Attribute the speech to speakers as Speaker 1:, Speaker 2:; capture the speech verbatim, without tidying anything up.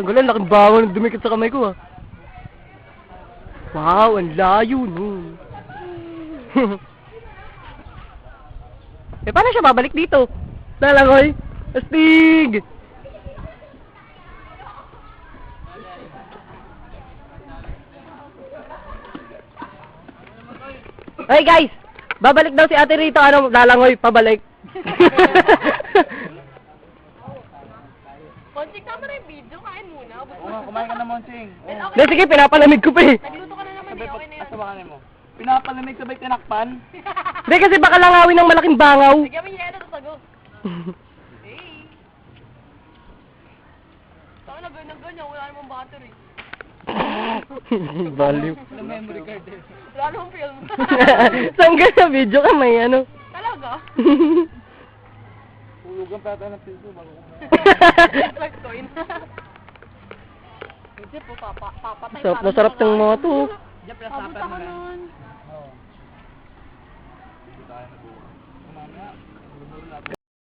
Speaker 1: Tanggalan, laking bangon ng dumikit sa kamay ko ah. Wow, ang layo nun. Eh, paano siya babalik dito? Lalangoy? Astig! Hey guys! Babalik daw si ate rito, ano, lalangoy, pabalik.
Speaker 2: Monsing, tama na yung video. Kain muna.
Speaker 3: Oo nga, kumain ka na, Monsing.
Speaker 2: Then,
Speaker 1: Hindi,
Speaker 2: okay.
Speaker 1: sige, pinapalamig ko pa eh.
Speaker 2: Nagluto ka na naman eh. Okay na yun.
Speaker 3: Asabakan mo. Pinapalamig sabay tinakpan.
Speaker 1: Hindi, kasi baka langawin ng malaking bangaw.
Speaker 2: Lagyan mo yung yelo sa sago. Hey. Saan na ganyan-ganyan? Wala namang battery.
Speaker 1: Baliw.
Speaker 3: Wala memory card eh.
Speaker 2: Wala namang film.
Speaker 1: Saan ka sa video ka may ano?
Speaker 2: Talaga?
Speaker 3: Hulugan pa tayo ng piso bago kumain.
Speaker 2: Flex coin. Hindi po, papa, papatay.
Speaker 1: Sarap na sarap ng mga to.
Speaker 3: Diyan,
Speaker 2: Abot
Speaker 3: pinasapan
Speaker 2: ako
Speaker 3: mo rin.
Speaker 2: nun.
Speaker 3: Oo. Hindi tayo nag-uwa. Mamaya,